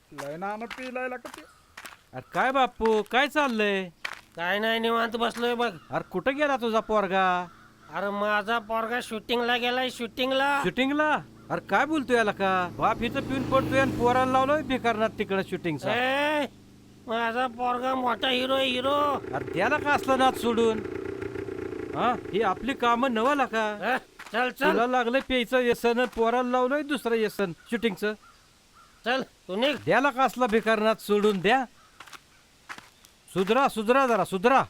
लय नानं पिलायला का ते. अरे काय बापू काय चाललंय? काय नाही निवांत बसलोय बघ. अरे कुठं गेला तुझा पोरगा? अरे माझा पोरगा शूटिंगला गेलाय शूटिंगला. शूटिंगला? अरे काय बोलतोय याला का? बाप हिचं पिऊन पडतोय आणि पोराला लावलोय बेकारनात तिकडं शूटिंगचा. ए, माझा पोरगा मोठा हिरो हिरो. अरे त्याला का असलं नाच सोडून? हा ही आपली कामं नवाला का? चल चल तुला लागलं प्यायचं व्यसन, पोराला लावलंय दुसरं व्यसन शूटिंगचं. चल तू निघ. द्याला का असला बेकारनात सोडून द्या. सुधरा सुधरा जरा सुधरा.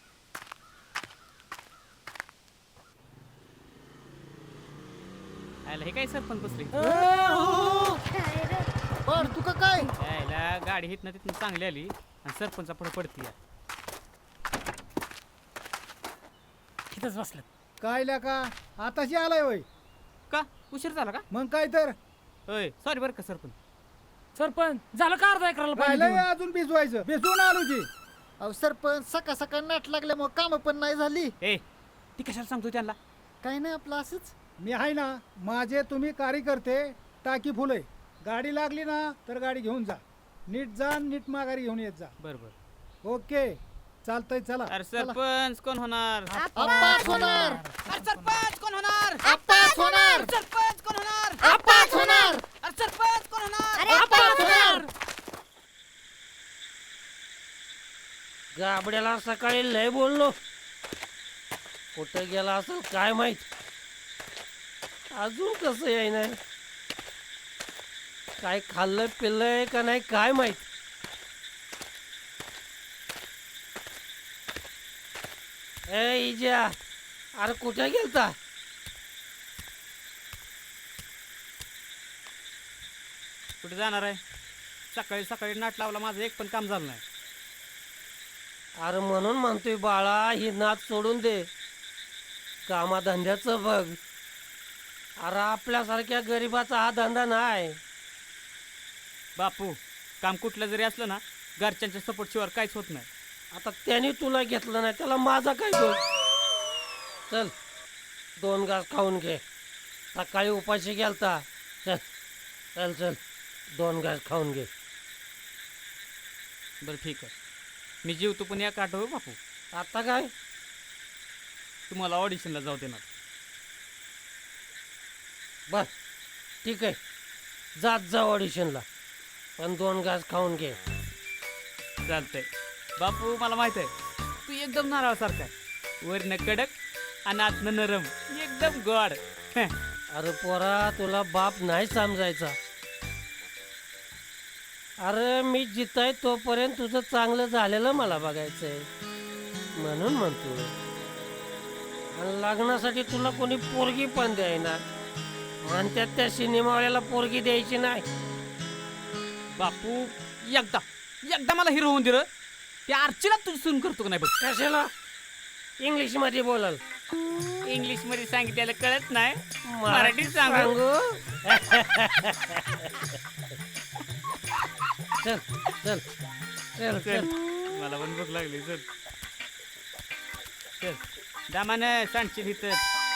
आयला हे काय सरपंच बसले बर तू का काय यायला गाडी हितनं तिथनं चांगली आली आणि सरपंचा पुढे पडती तिथंच बसलं. काय ल्या का आताशी आलाय होय? का उशीर झाला का? मग काय तर होय सॉरी बरं का सरपंच. सरपंच झालं का अर्धा एकराला पाणी राहिलंय देऊन? अजून भिजवायचं भिजवून आलो की. अहो सरपंच सकाळ सकाळ नाट लागल्यामुळे काम पण नाही झाली. ए ती कशाला सांगतो त्यांना? काही नाही आपलं असंच. मी आहे ना, माझे तुम्ही कार्यकर्ते टाकी फुले. गाडी लागली ना तर गाडी घेऊन जा. नीट जा नीट माघारी घेऊन येत जा. बरं बरं. ओके चालतंय चला. अरे सरपंच कोण होणार? आप्पाच होणार. अरे सरपंच कोण होणार? आप्पाच होणार. सरपंच कोण होणार? आप्पाच होणार. अरे सरपंच कोण होणार? आप्पाच होणार. गाबड्याला सकाळी लय बोललो. कुठं गेला असेल काय माहित. अजून कसं याय नाही. काय खाल्लं पिल्लंय का नाही काय माहित. ए इजा अरे कुठे गेलता? कुठे जाणार आहे? सकाळी सकाळी नाट लावला माझं एक पण काम झालं नाही. अरे म्हणून म्हणतोय बाळा ही नाच सोडून दे. कामाधंद्याचं बघ. अरे आपल्यासारख्या गरीबाचा हा धंदा नाही. बापू काम कुठलं जरी असलं ना घरच्यांच्या सपोर्ट शिवाय काहीच होत नाही. आता त्याने तुला घेतलं नाही त्याला माझा काय दोष. चल 2 घास खाऊन घे. सकाळी उपाशी गेलता. चल चल चल 2 घास खाऊन घे. बरं ठीक आहे मी जीवतो पण या आठव बापू. आता काय तुम्हाला ऑडिशनला जाऊ देणार. बर ठीक आहे जात जा ऑडिशनला पण 2 घास खाऊन घे. चालतंय बापू मला माहित आहे तू एकदम नारळासारखा आहे. वरनं कडक आणि आतनं नरम एकदम गोड. अरे पोरा तुला बाप नाही समजायचा. अरे मी जिताय तोपर्यंत तुझं चांगलं झालेलं मला बघायचंय म्हणून म्हणतो. आणि लग्नासाठी तुला कोणी पोरगी पण द्यायना म्हणतात त्या सिनेमावाल्याला पोरगी द्यायची नाही. बापू एकदा एकदा मला हिरो होऊन दिलं त्या आर्चीला तुझी सून करतो का नाही बघ. कशाला इंग्लिश मध्ये बोलाल? इंग्लिश मध्ये सांगितलेलं कळत नाही मराठीत सांगू. चल चल चल चल चल मला पण भूक लागली. चल चल दामानं सांडशील इथं.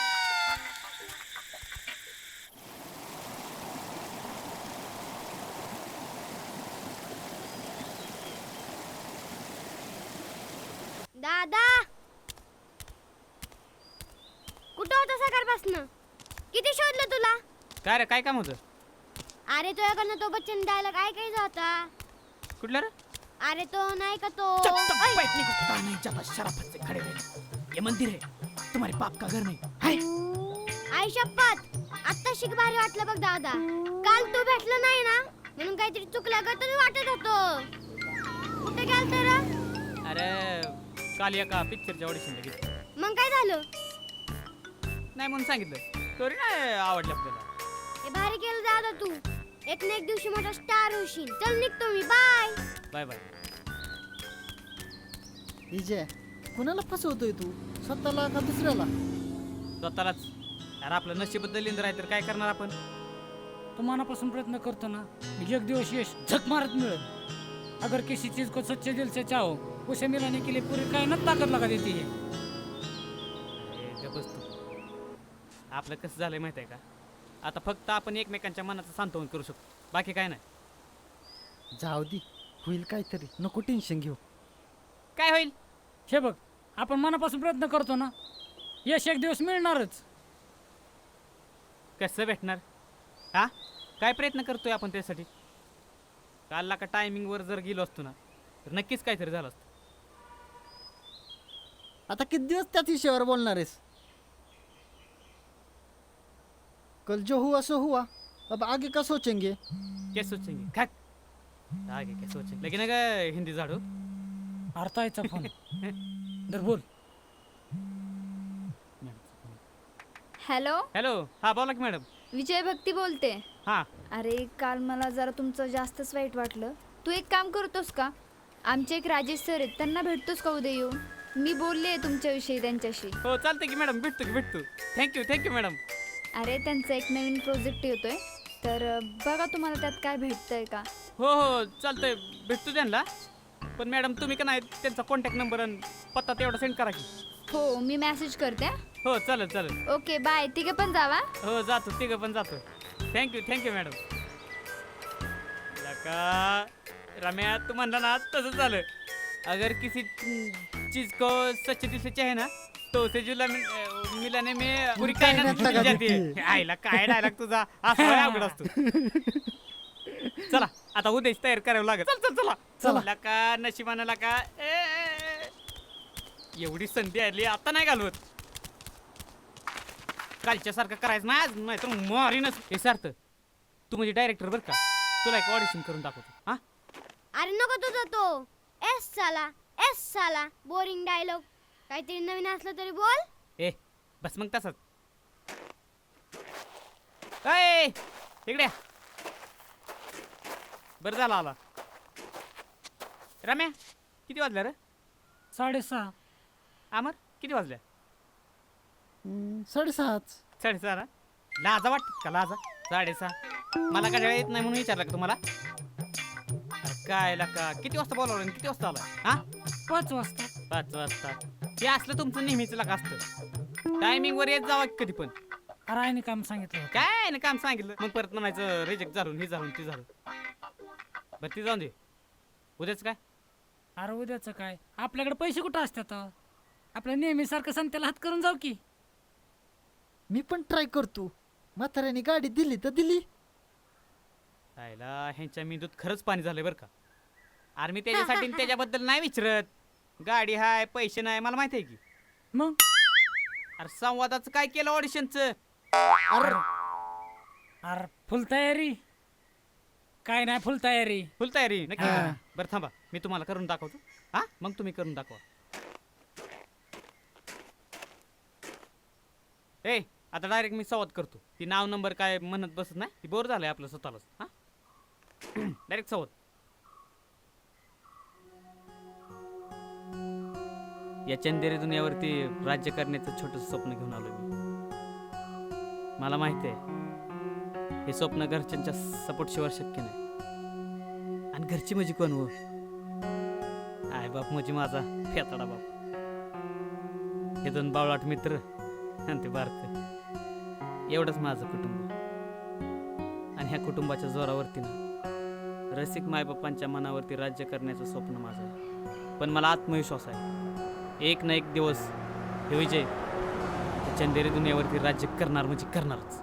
दादा कुठं होता सकाळपासनं? किती शोधलं तुला? काय रे काय काम होतं? अरे तुझ्याकडनं तो बच्चन डायलॉग ऐकायचा होता. कुठलं रे? अरे तो नाही का तो ये मंदिर है तुम्हारे बाप का घर नहीं है. आई शपथ आत्ता शिक भारी वाटलं बघ दादा. काल तू भेटलं नाही ना म्हणून काहीतरी चुकलं ग तुम्ही वाटत होतो. कुठे गेलत रे? अरे काल एका पिक्चरच्या ऑडिशनला गेलो. मग काय झालं? नाही म्हणून सांगितलं. स्टोरी नाही आवडली आपल्याला. हे भारी केलं दादा तू. एक ना एक दिवशी मोठा स्टार होशील. चल निघतो मी. Bye bye bye. विजय कुणाला फसवतोय तू? स्वतःला का दुसऱ्याला? स्वतःलाच. यार आपलं नशीब बदललं आहे तर काय करणार आपण. तो मनापासून प्रयत्न करतो ना एक दिवस यश झक मारत मिळेल. अगर किसी चीज को सच्चे दिल से चाहो उसे मिलाने के लिए पूरी कायनात ताकत लगा देती है. गप्प बस तू. आपलं कसं झालंय माहिती आहे का? आता फक्त आपण एकमेकांच्या मनाचं सांत्वन करू शकतो बाकी काय नाही. जाऊ दे, होईल काहीतरी, नको टेन्शन घेऊ. काय होईल? हे बघ, आपण मनापासून प्रयत्न करतो ना, यश एक दिवस मिळणारच. कसं भेटणार? हा, काय प्रयत्न करतोय आपण त्यासाठी? कालला का टायमिंगवर जर गेलो असतो ना तर नक्कीच काहीतरी झालं असतं. आता किती दिवस त्याच विषयावर बोलणार आहेस? कल जो हुआ सो हुआ, अब आगे का सोचेंगे. क्या सोचेंगे? खाक आगे क्या सोचेंगे? लेकिन अगर हिंदी झाडू अर्थायचा फोन दर बोल. हॅलो, हॅलो, हा बोला की मॅडम. विजय भक्ती बोलते. हा, अरे काल मला जरा तुमचं जास्तच वाईट वाटलं. तू एक काम करतोस का? आमचे एक राजेश सर आहेत, त्यांना भेटतोस का उद्या येऊन? मी बोलले तुमच्याविषयी त्यांच्याशी. हो चालतंय की मॅडम, भेटतो. Thank you madam. अरे त्यांचा एक नवीन प्रोजेक्ट येतोय, तर बघा तुम्हाला त्यात काय भेटतंय का. हो चालतंय, भेटतो त्यांना. पण मॅडम तुम्ही का नाही त्यांचा कॉन्टॅक्ट नंबर आणि पत्ता तेवढा सेंड करा की. हो, मी मेसेज करते. हो चालेल. Okay bye. तिघे पण जावा. हो जातो, तिघं पण जातो. Thank you madam. लका रम्या, तू म्हणला ना तसंच झालं. अगर किसी चीज को सच्चे दिल से चाहे ना तो उसे जुला मिलाने में पूरी कायनात मिल जाती है. आईला काय डायलॉग तुझा असा अवघड असतो. चला आता उद्याच तयार करावं लागेल. चला लका नशिबानं लका एवढी संधी आली आता नाही घालवत. कालच्या सारखं करायचं नाही तर मारीनच. हे सार्थ, तू म्हणजे डायरेक्टर बरं का, तुला एक ऑडिशन करून दाखवतो. हा, अरे नको तुझा तो एस साला बोरिंग डायलॉग. काहीतरी नवीन असलं तरी बोल. ए बस मग तसंच. अय इकडे बरं झालं आला. रम्या किती वाजल्या रे? 6:30. अमर किती वाजल्या? 6:30. 6:30 ना? लाजा वाटत का लाजा? 6:30 मला काय येत नाही म्हणून विचारलं का तुम्हाला? अरे काय का किती वाजता बोलावलं किती वाजता आला? हा 5 वाजता. 5 वाजता. हे असलं तुमचं नेहमीच लागा असतं. टायमिंग वर येत जावा कधी पण. अरे आईने काम सांगितलं होतं. काय ना काम सांगितलं मग परत म्हणायचं रिजेक्ट झालं हे झालं ते झालं. बरं ती जाऊन दे. उद्याच काय? अरे उद्याचं काय, आपल्याकडे पैसे कुठं असतात? आपल्या नेहमीसारखं संत्याला हात करून जाऊ की. मी पण ट्राय करतो. म्हाताऱ्याने गाडी दिली तर दिली. आयला ह्यांच्या मेंदूत खरंच पाणी झालंय बरं का. अरे मी त्याच्यासाठी आणि त्याच्याबद्दल नाही विचारत. गाडी हाय पैसे नाही मला माहिती आहे की. मग अरे संवादाचं काय केलं ऑडिशनचं? अरे फुल तयारी काय नाही, फुल तयारी. फुल तयारी नक्की करा. बरं थांबा मी तुम्हाला करून दाखवतो. हा मग तुम्ही करून दाखवा. ए आता डायरेक्ट मी संवाद करतो. ती नाव नंबर काय म्हणत बसत नाही, ती बोर झालंय आपलं स्वतःलाच. हा डायरेक्ट संवाद. या चंदेरी दुनियावरती राज्य करण्याचं छोटंसं स्वप्न घेऊन आलो मी. मला माहिती आहे हे स्वप्न घरच्यांच्या सपोर्ट शिवाय शक्य नाही. आणि घरची माझी कोण हो? आय बाप म्हणजे माझा फेताडा बाप. हे 2 बावळाट मित्र आणि ते बारक, एवढंच माझं कुटुंब. आणि ह्या कुटुंबाच्या जोरावरती ना रसिक मायबापांच्या मनावरती राज्य करण्याचं स्वप्न माझं आहे. पण मला आत्मविश्वास आहे एक ना एक दिवस हे विजय चंदेरी दुनियावरती राज्य करणार म्हणजे करणारच.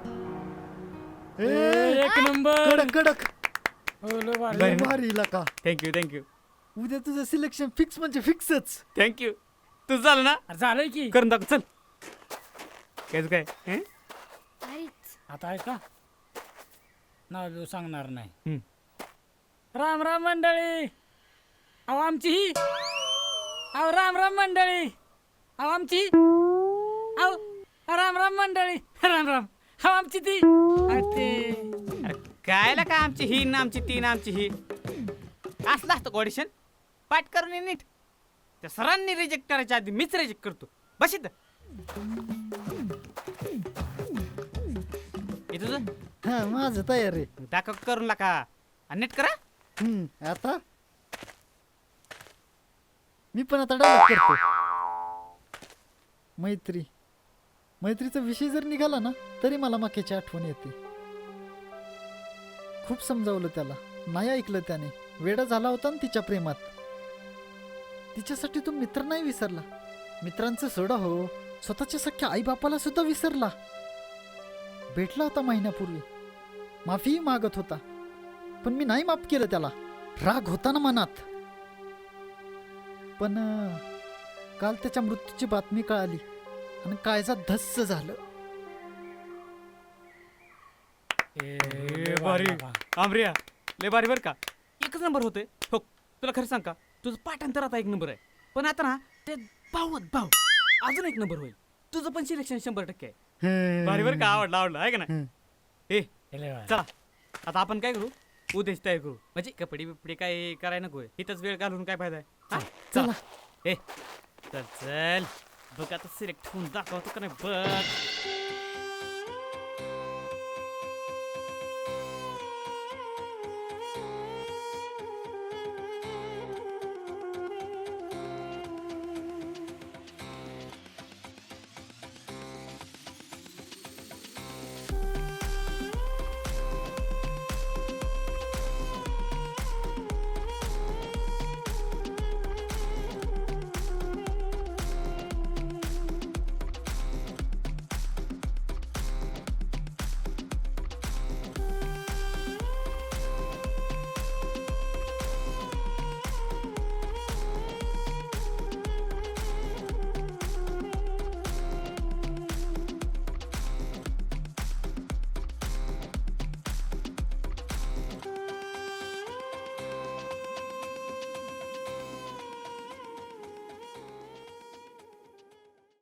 एक नंबर. कडक. हो, लय भारी. लय भारी लका. थँक्यू उद्या तुझं सिलेक्शन फिक्स म्हणजे फिक्सच. थँक्यू. तुझं झालं ना? अरे झालंय की. करून दाखव चल. काय अरेच आता आहे का नाव सांगणार नाही. हम्म. राम राम मंडळी. अहो आमची ही. अहो राम मंडळी. अहो आमची. अहो राम मंडळी. राम. अहो आमची ती. अरे ते अरे कायला का आमची ही ना आमची ती ना आमची ही असलं असतं ऑडिशन. पाठ करून ये नीट. त्या सरांनी रिजेक्ट करायच्या आधी मीच रिजेक्ट करतो. बस इथं. हे तुझं हा माझं तयार आहे. दाखव करून लाका आणि नीट करा. आता मी पण आता डायलॉग करतो. मैत्रीचा विषय जर निघाला ना तरी मला माकेची आठवण येते. खूप समजावलं त्याला, नाही ऐकलं त्याने. वेडा झाला होता ना तिच्या प्रेमात. तिच्यासाठी तू मित्र नाही विसरला. मित्रांचं सोडा हो, स्वतःच्या सख्या आईबापाला सुद्धा विसरला. भेटला होता महिन्यापूर्वी, माफीही मागत होता, पण मी नाही माफ केलं त्याला. राग होता ना मनात. पण काल त्याच्या मृत्यूची बातमी कळाली आणि काळजात धस्स झालं. आमरिया लय भारी बर का, एकच नंबर होते हो. तुला खरं सांग का, तुझं पाठांतर आता एक नंबर आहे, पण आता ना ते भाऊ अजून एक नंबर होईल. तुझं पण सिलेक्शन 100% आहे. भारी बर का, आवडलं आहे का ना. ए चला आता आपण काय करू, उद्याच तयार करू. म्हणजे कपडे बिपडे काय करायला नको, इथंच वेळ घालून काय फायदा आहे. हा? चला. ए चल चल बघ आता सिलेक्ट होऊन दाखवतो का नाही बघ.